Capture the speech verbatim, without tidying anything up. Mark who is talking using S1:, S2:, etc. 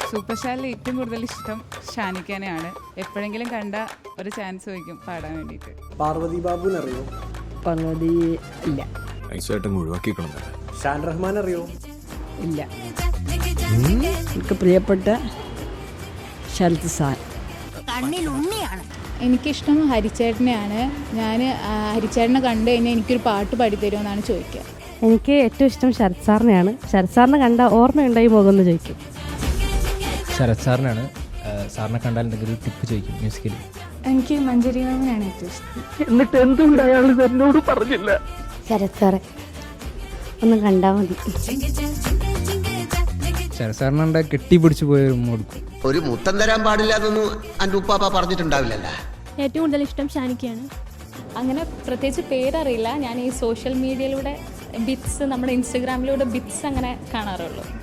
S1: Super സ്റ്റാറിൽ ഏറ്റവും കൂടുതൽ ഇഷ്ടം ഷാനിക്കാനെയാണ്. എപ്പോഴെങ്കിലും കണ്ട ഒരു ചാൻസ് ചോദിക്കും പാടാൻ വേണ്ടിയിട്ട്.
S2: പാർവതി ബാബുവിനെ അറിയോ?
S3: പാർവതി ഇല്ല.
S2: ഷാൻ റഹ്മാൻ അറിയോ?
S3: ഇല്ല. എനിക്ക് പ്രിയപ്പെട്ട ശരത് സാൻ.
S4: എനിക്കിഷ്ടം ഹരിച്ചേട്ടനെയാണ്. ഞാൻ ഹരിച്ചേട്ടനെ കണ്ടു കഴിഞ്ഞാൽ എനിക്കൊരു പാട്ട് പാടിത്തരുമെന്നാണ് ചോദിക്കുക.
S5: എനിക്ക് ഏറ്റവും ഇഷ്ടം ശരത് സാറിനെയാണ്. ശരത് സാറിനെ കണ്ട ഓർമ്മയുണ്ടായി മുഖം എന്ന് ചോദിക്കും.
S6: ശരത് സാറിനാണ്. സാറിനെ കണ്ടാൽ എന്തെങ്കിലും ടിപ്പ് ചോദിക്കും മ്യൂസിക്കൽ.
S4: എനിക്ക് മഞ്ജരി മാമിനാണ് ഏറ്റവും ഇഷ്ടം.
S3: എന്നിട്ട് എന്തുകൊണ്ട് അയാൾ എന്നോട് പറഞ്ഞില്ല?
S5: ശരത് സാറെ ഒന്ന് കണ്ടാൽ മതി.
S6: ശരത് സാറിനെ കണ്ടാൽ കെട്ടിപ്പിടിച്ച് പോയ കൊടുക്കും.
S7: ഒരു മുത്തം തരാൻ പാടില്ല എന്നൊന്നും എൻ്റെ ഉപ്പാപ്പ പറഞ്ഞിട്ടുണ്ടാവില്ലല്ലോ.
S5: ഏറ്റവും കൂടുതൽ ഇഷ്ടം ഷാനിക്കയാണ്.
S4: അങ്ങനെ പ്രത്യേകിച്ച് പേരറിയില്ല. ഞാൻ ഈ സോഷ്യൽ മീഡിയയിലൂടെ ബിറ്റ്സ്, നമ്മുടെ ഇൻസ്റ്റഗ്രാമിലൂടെ ബിറ്റ്സ് അങ്ങനെ കാണാറുള്ളൂ.